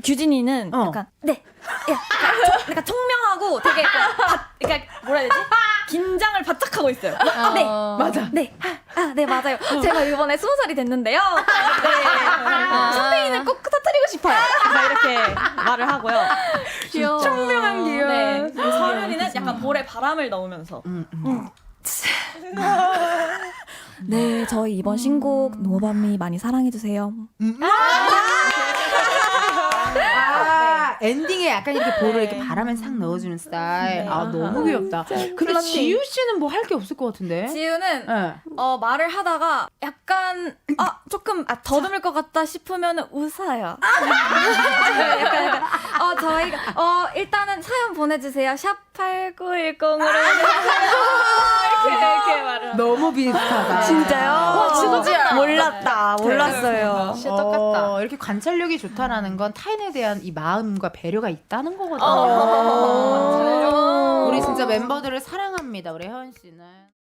규진이는 약간 네, 약간 청명하고 되게 그러니까 뭐라 해야 되지? 긴장을 바짝 하고 있어요. 네, 맞아. 네, 네 맞아요. 제가 이번에 20살이 됐는데요. 네, 샴페인을 꼭 터뜨리고 싶어요. 이렇게 말을 하고요. 귀여워. 청명한 귀여워. 네, 서윤이는 약간 볼에 바람을 넣으면서. 네, 저희 이번 신곡 노밤이 많이 사랑해주세요. 엔딩에 약간 이렇게 볼을 이렇게 바람에 싹 넣어주는 스타일. 아, 너무 귀엽다. 근데 지유 씨는 뭐 할 게 없을 것 같은데? 지우는 네. 말을 하다가 약간 조금 더듬을 것 같다 싶으면 웃어요. 약간 저희가 일단은 사연 보내주세요. 샵 8910으로 이렇게 말을. 너무 비슷하다. 진짜요? 진짜 몰랐다. 몰랐어요. 진짜 똑같다. 이렇게 관찰력이 좋다라는 건 타인에 대한 이 마음과 배려가 있다는 거거든요. 우리 진짜 멤버들을 사랑합니다. 우리 혜원 씨는.